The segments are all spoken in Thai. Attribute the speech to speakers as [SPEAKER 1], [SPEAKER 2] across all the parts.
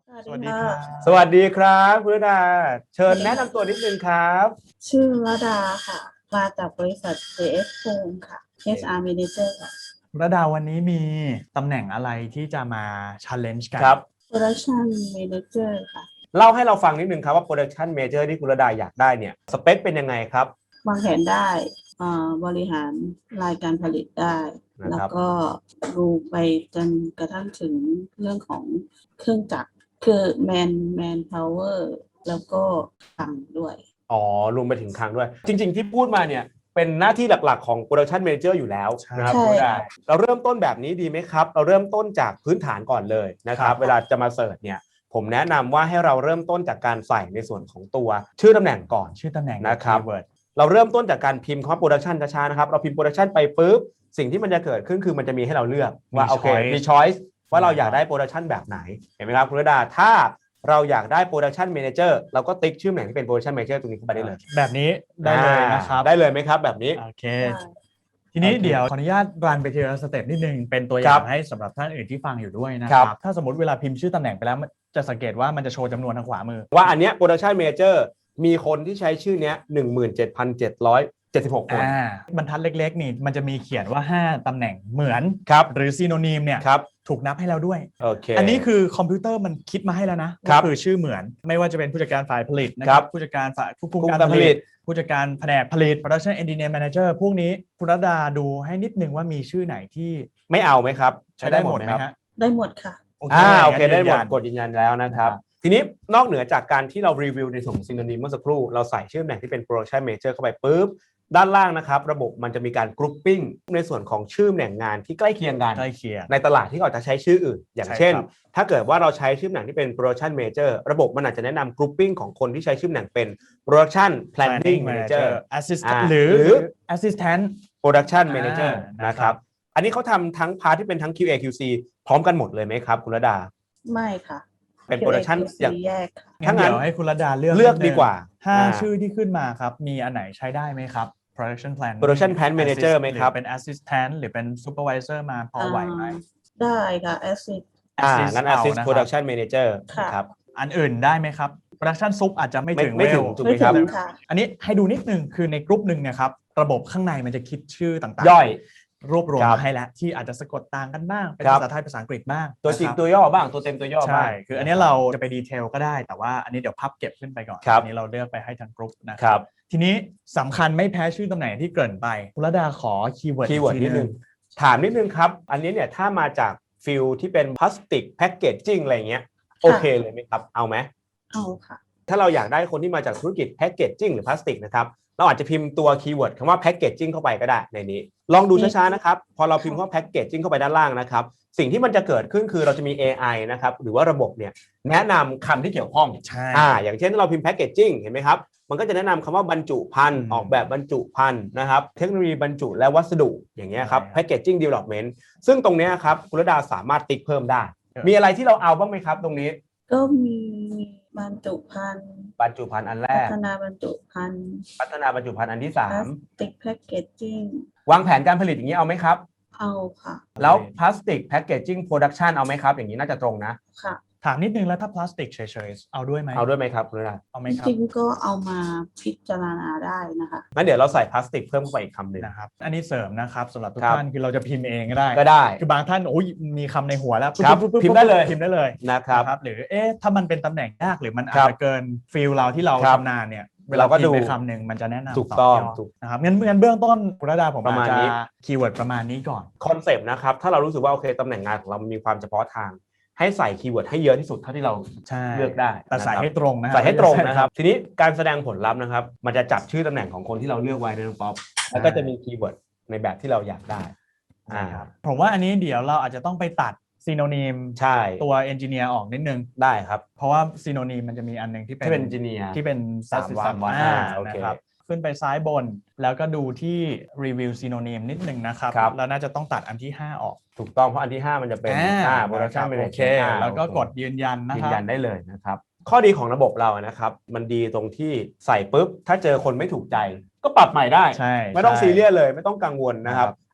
[SPEAKER 1] สวัสดีครับ
[SPEAKER 2] สวัสดีครับคุณระดาเชิญแนะนำตัวนิดนึงครับ
[SPEAKER 1] ชื่อระดาค่ะมาจากบริษัท JS Home ค่ะ HR Manager ค่ะ
[SPEAKER 3] ระดาวันนี้มีตำแหน่งอะไรที่จะมา challenge กัน
[SPEAKER 2] ครับ
[SPEAKER 1] Production Manager ค่ะ
[SPEAKER 2] เล่าให้เราฟังนิดนึงครับว่า Production Major ที่คุณระดาอยากได้เนี่ยสเปคเป็นยังไงครับ
[SPEAKER 1] วางแผนได้บริหารรายการผลิตได้ แล้วก็ดูไปจนกระทั่งถึงเรื่องของเครื่องจักรคือ man power แล้วก็ตังด้วย
[SPEAKER 2] อ๋อรวมไปถึงคลังด้วย จริงๆที่พูดมาเนี่ยเป็นหน้าที่หลักๆของ Production Manager อยู่แล้วนะครับคุณระดาเราเริ่มต้นแบบนี้ดีไหมครับเราเริ่มต้นจากพื้นฐานก่อนเลยนะครับเวลาจะมาเสิร์ชเนี่ยผมแนะนำว่าให้เราเริ่มต้นจากการใส่ในส่วนของตัวชื่อตำแหน่งก่อน
[SPEAKER 3] ชื่อตำแหน่ง
[SPEAKER 2] นะครับเราเริ่มต้นจากการพิมพ์คำว่า Production ช้าๆนะครับเราพิมพ์ Production ไปปุ๊บสิ่งที่มันจะเกิดขึ้นคือมันจะมีให้เราเลือกว่าโอเคมี choice ว่าเราอยากได้ Production แบบไหนเห็นไหมครับคุณระดาถ้าเราอยากได้ Production Manager เราก็ติ๊กชื่อตำแหน่งที่เป็น Production Manager ตรงนี้เข้าไปได้เลย
[SPEAKER 3] แบบนี้ได้เลยนะครับ
[SPEAKER 2] ได้เลยไหมครับแบบนี้
[SPEAKER 3] โอเคทีนี้เดี๋ยวขออนุญาตรันไปทีละสเต็ปนิดนึงเป็นตัวอย่างให้สำหรับท่านอื่นที่ฟังอยู่ด้วยนะครับถ้าสมมติเวลาพิมพ์ชื่อตำแหน่งไปแล้วจะสังเกตว่ามันจะโชว์จำนวนทางขวามือ
[SPEAKER 2] ว่าอันเนี้ย Production Manager มีคนที่ใช้ชื่อเนี้ย 17,776 คน
[SPEAKER 3] บรรทัดเล็กๆนี่มันจะมีเขียนว่า5ตำแหน่งเหมือนหรือซีโนนิมเนี่ยถูกนับให้แล้วด้วยอันนี้คือคอมพิวเตอร์มันคิดมาให้แล้วนะก็คือชื่อเหมือนไม่ว่าจะเป็นผู้จัดการฝ่ายผลิตนะครับผู้จัดการฝ่ายควบคุมการผลิตผู้จัดการแผนกผลิต Production Engineer Manager พวกนี้คุณรัตดาดูให้นิดนึงว่ามีชื่อไหนที่
[SPEAKER 2] ไม่เอาไหมครับ
[SPEAKER 3] ใช้ได้หมดไหมฮะ
[SPEAKER 1] ได้หมดค่ะ
[SPEAKER 2] โอเคได้หมดกดยืนยันแล้วนะครับทีนี้นอกเหนือจากการที่เรารีวิวในส่วนของซิโนนิมเมื่อสักครู่เราใส่ชื่อตำแหน่งที่เป็น Production Manager เข้าไปปุ๊บด้านล่างนะครับระบบมันจะมีการกรุ๊ปปิ้งในส่วนของชื่อตำแหน่งงานที่ใกล้เคียงกันในตลาดที่เขาจะใช้ชื่ออื่นอย่างเช่นถ้าเกิดว่าเราใช้ชื่อตำแหน่งที่เป็น Production Manager ระบบมันอาจจะแนะนำกรุ๊ปปิ้งของคนที่ใช้ชื่อตำแหน่งเป็น Production Planning Manager
[SPEAKER 3] Assistant หรือ Assistant
[SPEAKER 2] Production Manager นะครับอันนี้เขาทำทั้งพาร์ทที่เป็นทั้ง QA QC พร้อมกันหมดเลยไหมครับคุณระดา
[SPEAKER 1] ไม่ค่ะ
[SPEAKER 2] เป็นโปรดักชัน
[SPEAKER 1] อย่างแยกค่ะ
[SPEAKER 3] ถ้างั้นเดี๋ยวให้คุณระดาเลือก
[SPEAKER 2] ดีกว่า
[SPEAKER 3] 5ชื่อที่ขึ้นมาครับมีอันไหนใช้ได้ไหมครับ Production
[SPEAKER 2] Plan Manager ไหมครับ
[SPEAKER 3] เป็น Assistant หรือเป็น Supervisor มาพอไหวไหม
[SPEAKER 1] ได้ค่ะ Assist
[SPEAKER 2] งั้น Assist Production Manager ครับ
[SPEAKER 3] อันอื่นได้ไหมครับ Production Sub อาจจะไม่ถึง
[SPEAKER 2] ถูกไหมครับ
[SPEAKER 3] อันนี้ให้ดูนิดนึงคือในกลุ่มหนึ่งนะครับระบบข้างในมันจะคิดชื่อต่างๆ
[SPEAKER 2] ย่อย
[SPEAKER 3] รวบรวมมาให้แล้วที่อาจจะสะกดต่างกันบ้างเป็นภาษาไทยภาษาอังกฤษบ้าง
[SPEAKER 2] ตัวจริงตัวย่อบ้างตัวเต็มตัวย่อบ้าง
[SPEAKER 3] คืออันนี้เราจะไปดีเทลก็ได้แต่ว่าอันนี้เดี๋ยวพับเก็บขึ้นไปก่อนอันนี้เราเลือกไปให้ทั้งกลุ่มนะครับทีนี้สำคัญไม่แพ้ชื่อตำแหน่งที่เกริ่นไปคุณระดาขอคีย์เวิร์ด
[SPEAKER 2] นิดนึงถามนิดนึงครับอันนี้เนี่ยถ้ามาจากฟิลที่เป็นพลาสติกแพคเกจจิ้งอะไรเงี้ยโอเคเลยไหมครับเอาไหม
[SPEAKER 1] เอาค่ะ
[SPEAKER 2] ถ้าเราอยากได้คนที่มาจากธุรกิจแพคเกจจิ้งหรือพลาสติกนะครับเราอาจจะพิมพ์ตัวคีย์เวิร์ดคำว่าแพ็กเกจจิ้งเข้าไปก็ได้ในนี้ลองดูช้าๆนะครับพอเราพิมพ์ว่าแพ็กเกจจิ้งเข้าไปด้านล่างนะครับสิ่งที่มันจะเกิดขึ้นคือเราจะมี AI นะครับหรือว่าระบบเนี่ยแนะนำคำที่เกี่ยวข้องอย่างเช่นเราพิมพ์แพ็กเกจจิ้งเห็นไหมครับมันก็จะแนะนำคำว่าบรรจุภัณฑ์ออกแบบบรรจุภัณฑ์นะครับเทคโนโลยีบรรจุและวัสดุอย่างเงี้ยครับแพ็กเกจจิ้งดีเวล็อปเมนต์ซึ่งตรงนี้ครับคุณระดาสามารถติ๊กเพิ่มได้มีอะไรที่เราเอาบ้างไหมครับตรงนี้
[SPEAKER 1] ก็มีบรรจุภัณฑ์
[SPEAKER 2] อันแรก
[SPEAKER 1] พัฒนาบรรจุภัณฑ์
[SPEAKER 2] อันที่3
[SPEAKER 1] ติ๊กแพ็กเกจจิ้ง
[SPEAKER 2] วางแผนการผลิตอย่างนี้เอาไหมครับ
[SPEAKER 1] เอาค่ะ
[SPEAKER 2] แล้วพลาสติกแพคเกจจิ้งโปรดักชันเอาไหมครับอย่างนี้น่าจะตรงนะ
[SPEAKER 1] ค่ะ
[SPEAKER 3] ถามนิดนึงแล้วถ้าพลาสติกเฉยๆเอาด้วยไหม
[SPEAKER 2] ครับคุณระ
[SPEAKER 3] เอาไหมครับ
[SPEAKER 1] จริงก็เอามาพิจารณาได้นะคะ
[SPEAKER 2] งั้นเดี๋ยวเราใส่พลาสติกเพิ่มเข้าไปอีกคำหนึ่ง
[SPEAKER 3] นะครับอันนี้เสริมนะครับสำหรับทุกท่านคือเราจะพิมพ์เองก็
[SPEAKER 2] ได้
[SPEAKER 3] คือบางท่านโอ้ยมีคำในหัวแล้ว
[SPEAKER 2] พิมพ์ได้เลย
[SPEAKER 3] นะครับหรือถ้ามันเป็นตำแหน่งยากหรือมันอาจจะเกินฟิลเราที่เราชำนาญเนี่ยเวลาพิมพ์ไปคำหนึ่งมันจะแนะนำ
[SPEAKER 2] ถูกต้อง
[SPEAKER 3] นะครับงั้นเบื้องต้นคุณระดาผมอาจจะคีย์เวิร์ดประมาณนี้ก่อน
[SPEAKER 2] คอนเซปต์นะครับถ้าเรารู้สึกว่าโอเคตำแหน่งงานของเรามีความเฉพาะทางให้ใส่คีย์เวิร์ดให้เยอะที่สุดเท่าที่เราเลือกได้
[SPEAKER 3] แต่ใส่ให้ตรงนะ
[SPEAKER 2] ใส่ให้ตรงนะครับทีนี้การแสดงผลลัพธ์นะครับมันจะจับชื่อตำแหน่งของคนที่เราเลือกไว้ในน้องป๊อปแล้วก็จะมีคีย์เวิร์ดในแบบที่เราอยากได้
[SPEAKER 3] ผมว่าอันนี้เดี๋ยวเราอาจจะต้องไปตัดซีโนนิมตัวเอนจิเนียร์ออกนิดนึง
[SPEAKER 2] ได้ครับ
[SPEAKER 3] เพราะว่าซีโนนิมมันจะมีอันนึงที่เป็น
[SPEAKER 2] เอนจิเนียร์
[SPEAKER 3] ที่เป็น
[SPEAKER 2] 3 วัน
[SPEAKER 3] นะครับขึ้นไปซ้ายบนแล้วก็ดูที่รีวิวซีโนนิมนิดนึงนะครับแล้วน่าจะต้องตัดอันที่5ออก
[SPEAKER 2] ถูกต้องเพราะอันที่5มันจะเป็นProduction Manager
[SPEAKER 3] แล้วก็กดยืนยันนะครับ
[SPEAKER 2] ยืนยันได้เลยนะครับข้อดีของระบบเรานะครับมันดีตรงที่ใส่ปุ๊บถ้าเจอคนไม่ถูกใจก็ปรับใหม่ได้ไม่ต้องซีเรียสเลยไม่ต้องกังวลนะครับ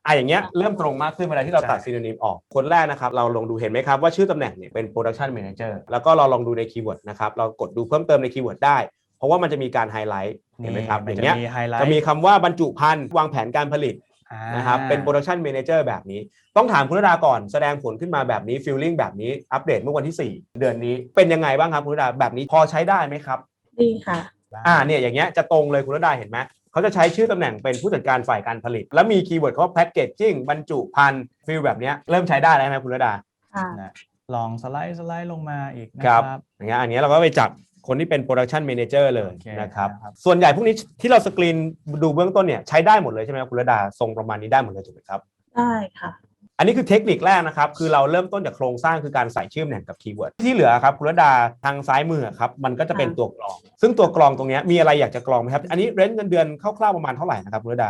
[SPEAKER 2] อย่างเงี้ยเริ่มตรงมากขึ้นเวลาที่เราตัด
[SPEAKER 3] ใช่
[SPEAKER 2] ซีโนนิมออกคนแรกนะครับเราลองดูเห็นไหมครับว่าชื่อตำแหน่งเนี่ยเป็น Production Manager แล้วก็เราลองดูในคีย์เวิร์ดนะครับเรากดดูเพิ่มเติมในคีย์เวิร์ดได้เพราะว่ามันจะมีการไฮไลท์เห็นไหมครับอย่างเงี้ยจะมีคำว่าบรรจุภัณฑ์วางแผนการผลิตนะครับเป็น Production Manager แบบนี้ต้องถามคุณรดาก่อนแสดงผลขึ้นมาแบบนี้ฟีลลิ่งแบบนี้อัปเดตเมื่อวันที่4เดือนนี้เป็นยังไงบ้างครับคุณรดาแบบนี้พอใช้ได้ไหมครับ
[SPEAKER 1] ดีค่ะ
[SPEAKER 2] เนี่ยอย่างเงี้ยจะตรงเลยคุณรดาเห็นไหมเขาจะใช้ชื่อตำแหน่งเป็นผู้จัดการฝ่ายการผลิตแล้วมีคีย์เวิร์ดเขาว่าแพ็กเกจจิ้งบรรจุภัณฑ์ฟีลแบบนี้เริ่มใช้ได้แล้วไหมคุณรดา
[SPEAKER 3] ลองสไลด์ลงมาอีกนะครับ
[SPEAKER 2] อย่างเงี้ยอันนี้เราก็ไปจับคนที่เป็น Production Manager เลยนะครับส่วนใหญ่พวกนี้ที่เราสกรีนดูเบื้องต้นเนี่ยใช้ได้หมดเลยใช่ไหมคุณรดาทรงประมาณนี้ได้หมดเลยถูกไหมครับ
[SPEAKER 1] ได้ค่ะ
[SPEAKER 2] อันนี้คือเทคนิคแรกนะครับคือเราเริ่มต้นจากโครงสร้างคือการใส่ชื่อตำแหน่งกับคีย์เวิร์ดที่เหลือครับคุณรดาทางซ้ายมือครับมันก็จะเป็นตัวกรองซึ่งตัวกรองตรงนี้มีอะไรอยากจะกรองไหมครับอันนี้เรนจ์เงินเดือนคร่าวๆประมาณเท่าไหร่นะครับคุณรดา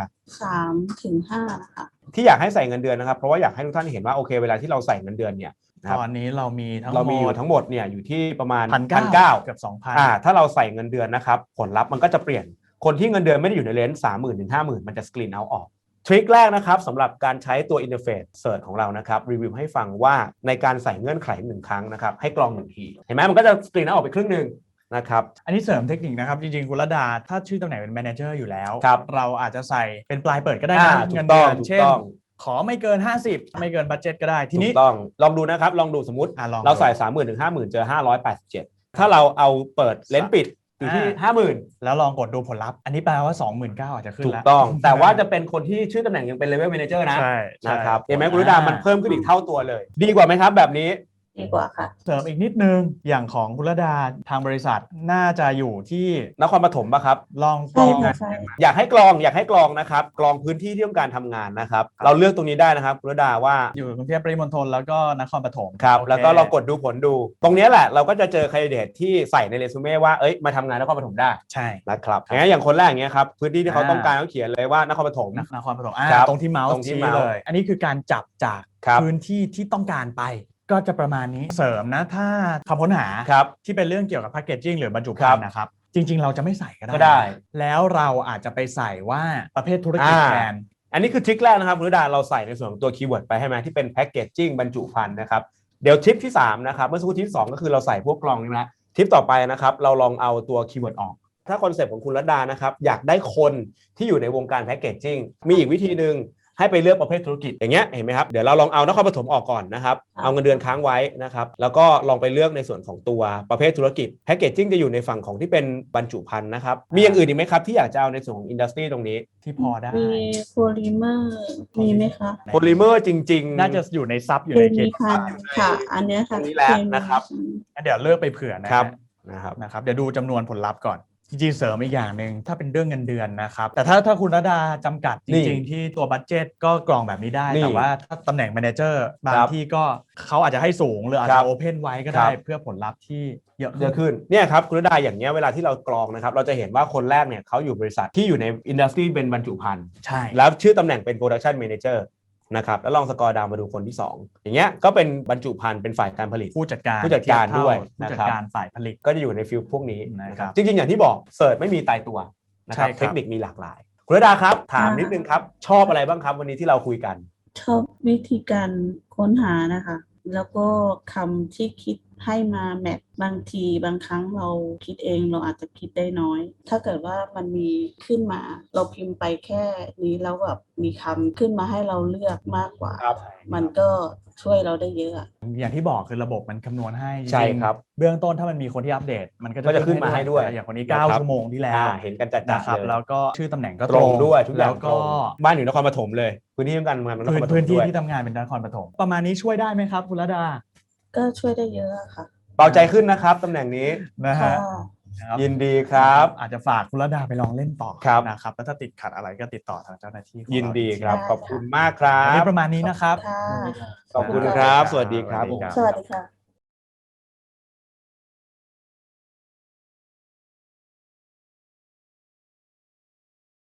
[SPEAKER 1] 3 ถึง 5นะคะ
[SPEAKER 2] ที่อยากให้ใส่เงินเดือนนะครับเพราะว่าอยากให้ทุกท่านเห็นว่าโอเคเวลาที่เราใส่เงินเดือนเนี่ย
[SPEAKER 3] ตอนนี้เรามี
[SPEAKER 2] อยู่ทั้งหมดเนี่ยอยู่ที่ประมาณ
[SPEAKER 3] 1,900 เกือบ 2,000
[SPEAKER 2] ถ้าเราใส่เงินเดือนนะครับผลลัพธ์มันก็จะเปลี่ยนคนที่เงินเดือนไม่ได้อยู่ในเลนส์ 30,000 ถึง 50,000 มันจะสกรีนเอาออกทริคแรกนะครับสำหรับการใช้ตัวอินเทอร์เฟซเสิร์ชของเรานะครับรีวิวให้ฟังว่าในการใส่เงื่อนไข1ครั้งนะครับให้กรอง1ทีเห็นไหมมันก็จะสกรีนเอาออกไปครึ่งนึงนะครับ
[SPEAKER 3] อันนี้เสริมเทคนิคนะครับจริงๆคุณรดาถ้าชื่อตำแหน่งเป็นแมเนเจอร์อยู่แล้วเราอาจจะใส่เป็นปลายเปิดก็ได้นะเงินเดือนเช่นขอไม่เกิน50ไม่เกินบัดเจ็ตก็ได้ทีนี้
[SPEAKER 2] ต้องลองดูนะครับลองดูสมมติเราใส่ 30,000 ถึง 50,000 เจอ587ถ้าเราเอาเปิดเลนส์ปิดอยู่ที่ 50,000
[SPEAKER 3] แล้วลองกดดูผลลัพธ์อันนี้แปลว่า 29,000 อาจจะขึ้นแล้ว
[SPEAKER 2] ถูกต้องแต่ว่าจะเป็นคนที่ชื่อตำแหน่งยังเป็นเลเวลแมเนเจอร์นะนะครับเห็นไหมคุณรดามันเพิ่มขึ้นอีกเท่าตัวเลยดีกว่าไหมครับแบบนี้
[SPEAKER 1] ดีกว่าค่ะ
[SPEAKER 3] เสริมอีกนิดนึงอย่างของคุณรดาทางบริษัทน่าจะอยู่ที่
[SPEAKER 2] นครปฐมป่ะครับ
[SPEAKER 3] ลองกรอง
[SPEAKER 2] อยากให้กรองนะครับกรองพื้นที่ที่ต้องการทำงานนะครับเราเลือกตรงนี้ได้นะครับคุณรดาว่า
[SPEAKER 3] อยู่กรุงเทพปริมณฑลแล้วก็นครปฐม
[SPEAKER 2] ครับแล้วก็เรากดดูผลดูตรงนี้แหละเราก็จะเจอแคนดิเดตที่ใส่ในเรซูเม่ว่ามาทำงานนครปฐมได้
[SPEAKER 3] ใช่
[SPEAKER 2] นะครับอย่างคนแรกอย่างเงี้ยครับพื้นที่ที่เขาต้องการเขาเขียนเลยว่านครปฐม
[SPEAKER 3] ตรงที่เมาส์ชี้เลยอันนี้คือการจับจากพื้นที่ที่ต้องการไปก็จะประมาณนี้เสริมนะถ้าคำค้นหาที่เป็นเรื่องเกี่ยวกับแพคเกจจิ้งหรือบรรจุภัณฑ์นะครับจริงๆเราจะไม่ใส่ก็ได้แล้วเราอาจจะไปใส่ว่าประเภทธุรกิจแทน
[SPEAKER 2] อันนี้คือทริคแรกนะครับคุณรดาเราใส่ในส่วนของตัวคีย์เวิร์ดไปให้ไหมที่เป็นแพคเกจจิ้งบรรจุภัณฑ์นะครับเดี๋ยวทริปที่3นะครับเมื่อสักครู่ทริป2ก็คือเราใส่พวกกล่องนี่นะทริปต่อไปนะครับเราลองเอาตัวคีย์เวิร์ดออกถ้าคอนเซ็ปต์ของคุณรดานะครับอยากได้คนที่อยู่ในวงการแพคเกจจิ้งมีอีกวิธีนึงให้ไปเลือกประเภทธุรกิจอย่างเงี้ยเห็นไหมครับเดี๋ยวเราลองเอานครปฐมออกก่อนนะครับเอาเงินเดือนค้างไว้นะครับแล้วก็ลองไปเลือกในส่วนของตัวประเภทธุรกิจแพคเกจจิ้งจะอยู่ในฝั่งของที่เป็นบรรจุภัณฑ์นะครับมีอย่างอื่นอีกไหมครับที่อยากจะเอาในส่วนของอินดัสทรีตรงนี้
[SPEAKER 3] ที่พอได้
[SPEAKER 1] มีโพลิเมอร์มีไหมคะ
[SPEAKER 2] โพลิเมอร์จริงๆ
[SPEAKER 3] น่าจะอยู่ในซับอยู่ใน
[SPEAKER 1] เคมีค่ะอันนี้ค่ะ
[SPEAKER 2] นี่แหละนะครับ
[SPEAKER 3] เดี๋ยวเลือกไปเผื่อนะครับเดี๋ยวดูจำนวนผลลัพธ์ก่อนจริงๆเสริมอีกอย่างหนึ่งถ้าเป็นเรื่องเงินเดือนนะครับแต่ถ้าคุณรดาจำกัดจริงๆที่ตัวบัดเจ็ตก็กรองแบบนี้ได้แต่ว่าถ้าตำแหน่งแมเนเจอร์บางที่ก็เขาอาจจะให้สูงหรืออาจจะโอเพนไว้ก็ได้เพื่อผลลัพธ์ที่เยอะ
[SPEAKER 2] ขึ้นเนี่ยครับคุณรดาอย่างเงี้ยเวลาที่เรากรองนะครับเราจะเห็นว่าคนแรกเนี่ยเขาอยู่บริษัทที่อยู่ในอินดัสทรีเป็นบรรจุภัณฑ์
[SPEAKER 3] ใช่
[SPEAKER 2] แล้วชื่อตำแหน่งเป็นโปรดักชันแมเนเจอร์นะครับแล้วลองสกอร์ดาวมาดูคนที่2อย่างเงี้ยก็เป็นบรรจุภัณฑ์เป็นฝ่ายการผลิต
[SPEAKER 3] ผู้จัดการ
[SPEAKER 2] ด้วย
[SPEAKER 3] ผู้จัดการฝ่ายผลิต
[SPEAKER 2] ก็จะอยู่ในฟิลพวกนี้นะครับจริงๆอย่างที่บอกเสิร์ชไม่มีตายตัวนะครับเทคนิคมีหลากหลายคุณรดาครับถามนิดนึงครับชอบอะไรบ้างครับวันนี้ที่เราคุยกัน
[SPEAKER 1] ชอบวิธีการค้นหานะคะแล้วก็คำที่คิดให้มาแมทบางทีบางครั้งเราคิดเองเราอาจจะคิดได้น้อยถ้าเกิดว่ามันมีขึ้นมาเราพิมพ์ไปแค่นี้แล้วแบบมีคำขึ้นมาให้เราเลือกมากกว่ามันก็ช่วยเราได้เยอะ
[SPEAKER 3] อย่างที่บอกคือระบบมันคำนวณให้
[SPEAKER 2] ใช่ครับ
[SPEAKER 3] เบื้องต้นถ้ามันมีคนที่อัปเดตมันก็
[SPEAKER 2] จะขึ้นมาให้ด้วย
[SPEAKER 3] อย่างคนนี้9ชั่วโมงที่แล้ว
[SPEAKER 2] เห็นกันจัดๆเลย
[SPEAKER 3] แล้วก็ชื่อตำแหน่งก็
[SPEAKER 2] ตรงด้วยทุกอย่าง
[SPEAKER 3] แล้วก็
[SPEAKER 2] บ้านอยู่นครปฐมเลยพื้นที่การงานนครปฐม
[SPEAKER 3] พื้นที่ที่ทำงานเป็นนครปฐมประมาณนี้ช่วยได้ไหมครับคุณรดา
[SPEAKER 1] ก็ช่วยได้เยอะค่ะ
[SPEAKER 2] เบาใจขึ้นนะครับตำแหน่งนี้
[SPEAKER 3] นะฮะ
[SPEAKER 2] ยินดีครับ
[SPEAKER 3] อาจจะฝากคุณรดาไปลองเล่นต่อนะครับแล้วถ้าติดขัดอะไรก็ติดต่อทางเจ้าหน้าที่
[SPEAKER 2] ยินดีครับขอบคุณมากครับ
[SPEAKER 3] ประมาณนี้นะครับ
[SPEAKER 2] ขอบคุณครับสวัสดีครับ
[SPEAKER 1] สวัสดีค่ะ